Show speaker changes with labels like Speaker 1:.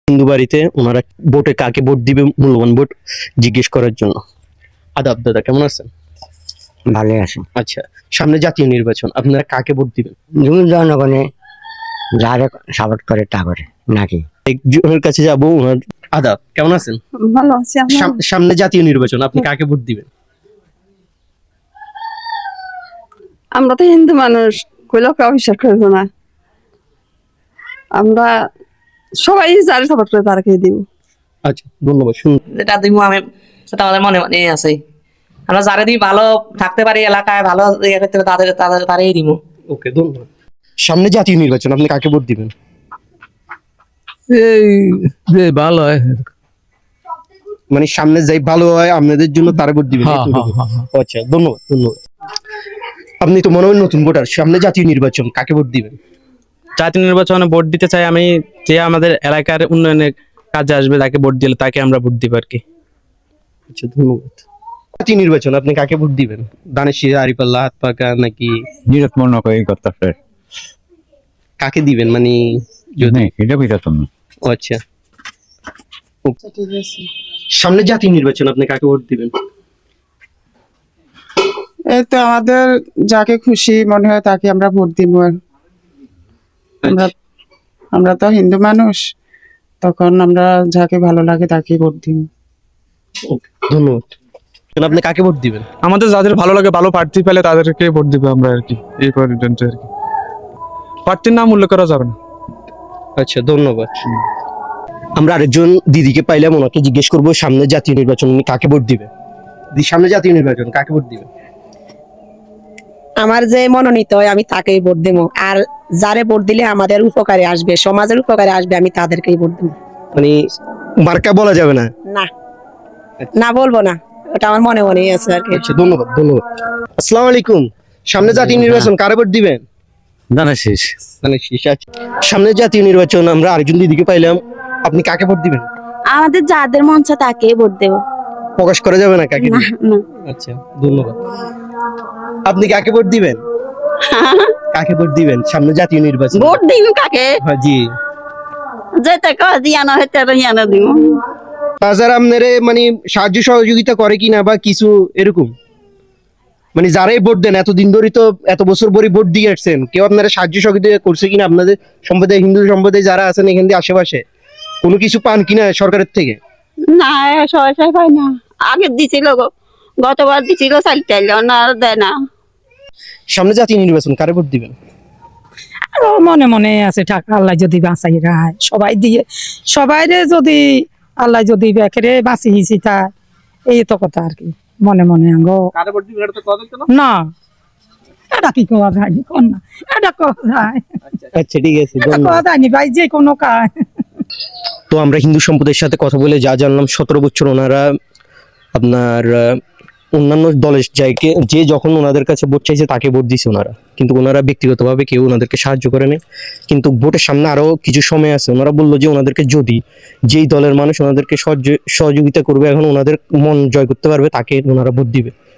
Speaker 1: হিন্দু বাড়িতে ওনারা ভোটে কাকে ভোট দিবে মূল্যবান ভোট জিজ্ঞেস করার জন্য। আদাব দাদা, কেমন আছেন?
Speaker 2: ভালো আছে।
Speaker 1: আচ্ছা, সামনে জাতীয় নির্বাচন, আপনারা কাকে ভোট দিবেন?
Speaker 2: জনগণে যারা সাপোর্ট করে তা করে নাকি।
Speaker 1: একজনের কাছে যাবো, ওনার আদাব, কেমন আছেন?
Speaker 3: ভালো আছি।
Speaker 1: সামনে জাতীয় নির্বাচন, আপনি কাকে ভোট দিবেন?
Speaker 3: আমরা তো হিন্দু মানুষ, কইলেও কেউ বিশ্বাস করবো না। আমরা সবাই যারা সাপোর্ট করে তারকে দিব।
Speaker 1: আচ্ছা, ধন্যবাদ। শুনুন,
Speaker 4: যেটা দিব আমি সেটা আমাদের মনে মনে আছে। আমরা যারা দিই ভালো থাকতে পারি, এলাকায় ভালো ইয়ে করতে পারি, তাদের তারই দিব।
Speaker 1: ওকে, ধন্যবাদ। সামনে জাতীয় নির্বাচন, আপনি কাকে ভোট দিবেন?
Speaker 5: এই যে ভালো হয়।
Speaker 1: মানে সামনে যাই ভালো হয় আপনাদের জন্য তারা ভোট দিবেন,
Speaker 5: হ্যাঁ,
Speaker 1: এতটুকু?
Speaker 5: হ্যাঁ, হ্যাঁ।
Speaker 1: আচ্ছা, ধন্যবাদ ধন্যবাদ। আপনি তো মনে হয় নতুন ভোটার, সামনে জাতীয় নির্বাচন, কাকে ভোট দিবেন?
Speaker 6: জাতীয় নির্বাচনে ভোট দিতে চাই আমি, যে আমাদের এলাকার উন্নয়নের কাজে আসবে তাকে ভোট দিলে তাকে আমরা ভোট দিব আর কি।
Speaker 1: আচ্ছা, ধন্যবাদ। জাতীয় নির্বাচন, আপনি কাকে ভোট দিবেন? দানেশির, আরিফাল্লাহ, হাত পাকা নাকি
Speaker 7: নিরত মনে করি করতে
Speaker 1: কাকে দিবেন? মানে যদি
Speaker 7: এটা বুঝতাম না।
Speaker 1: আচ্ছা, সামনে জাতীয় নির্বাচন, আপনি কাকে ভোট দিবেন?
Speaker 8: এই তো আমাদের যাকে খুশি মনে হয় তাকে আমরা ভোট দিব। আমরা তো হিন্দু মানুষ, তখন আমরা যাকে ভালো লাগে তাকে ভোট দিব।
Speaker 1: ধন্যবাদ। আপনি কাকে ভোট দিবেন?
Speaker 5: আমাদের যাদের ভালো লাগে, ভালো প্রার্থী পেলে তাদেরকে ভোট দিব আমরা আর কি, এই পর্যন্ত আর কি। প্রার্থীর নাম উল্লেখ করা যাবে না।
Speaker 1: আচ্ছা, ধন্যবাদ। আমরা আরেকজন দিদিকে পাইলাম, ওনাকে জিজ্ঞেস করবো সামনে জাতীয় নির্বাচন উনি কাকে ভোট দিবে। সামনে জাতীয় নির্বাচন, কাকে ভোট দিবে?
Speaker 9: আমার যে মনোনীত হয় আমি তাকেই ভোট দেবো, আর যারে ভোট দিলে আমাদের উপকারে আসবে, সমাজের উপকারে আসবে, আমি তাদেরকেই ভোট দেবো।
Speaker 1: মানে মার্কা বলা যাবে না?
Speaker 9: না, না বলবো না, ওটা আমার মনে মনেই আছে আর কি।
Speaker 1: আচ্ছা, ধন্যবাদ ধন্যবাদ। আসসালামু আলাইকুম। সামনে জাতীয় নির্বাচন, কারে ভোট দিবেন?
Speaker 7: জানাছিস
Speaker 1: সামনে জাতীয় নির্বাচন, আমরা আরেকজন দিদিকে পাইলাম, আপনি কাকে ভোট দিবেন?
Speaker 10: আমাদের যাদের মন চায় তাকেই ভোট দেব।
Speaker 1: প্রকাশ করা যাবে না কাকে দিবেন?
Speaker 10: না।
Speaker 1: আচ্ছা, ধন্যবাদ। আপনি কাকে ভোট দিবেন? কাকে ভোট দিবেন সামনে জাতীয় নির্বাচন?
Speaker 10: ভোট দিন কাকে?
Speaker 1: হ্যাঁ, জি।
Speaker 10: যেটা কয় দিয়ানো হয় তারা ইয়ানো দিব।
Speaker 1: তাছাড়া আপনারে মানে সাহায্য সহযোগিতা করে কিনা বা কিছু এরকম, মানে যারাই ভোট দেন এতদিন ধরে তো এত বছর পরে ভোট দিয়ে আসছেন, কেউ আপনারা সাহায্য সহযোগিতা করছে কিনা? আপনাদের সম্প্রদায়, হিন্দু সম্প্রদায় যারা আছেন এখান দিয়ে আশেপাশে, কোনো কিছু পান কিনা সরকারের থেকে?
Speaker 10: না, সবাই পাই না। আগে দিছিল গতবার দিছিল, চাইল না, দেয় না।
Speaker 1: সামনে জাতীয় নির্বাচন, কারে ভোট দিবেন?
Speaker 11: মনে মনে আছে টাকা আল্লাহ যদি বাঁচাই রায় সবাই দিয়ে, সবাই যদি আল্লাহ যদি বেকেরে বাঁচিয়েছি তা এই তো কথা আর কি। মনে মনে না, এটা কি করা যায় না, এটা করা যায়।
Speaker 1: আচ্ছা, ঠিক আছে,
Speaker 11: করা যায়নি ভাই, যে কোনো কাজ।
Speaker 1: তো আমরা হিন্দু সম্প্রদায়ের সাথে কথা বলে যা জানলাম, 17 বছর ওনারা আপনার অন্যান্য দলের যে যখন ওনাদের কাছে ভোট চাইছে তাকে ভোট দিছে ওনারা, কিন্তু ওনারা ব্যক্তিগতভাবে কেউ ওনাদেরকে সাহায্য করে নাই। কিন্তু ভোটের সামনে আরো কিছু সময় আছে, ওনারা বললো যে ওনাদেরকে যদি যেই দলের মানুষ ওনাদেরকে সহযোগিতা করবে, এখন ওনাদের মন জয় করতে পারবে, তাকে ওনারা ভোট দিবে।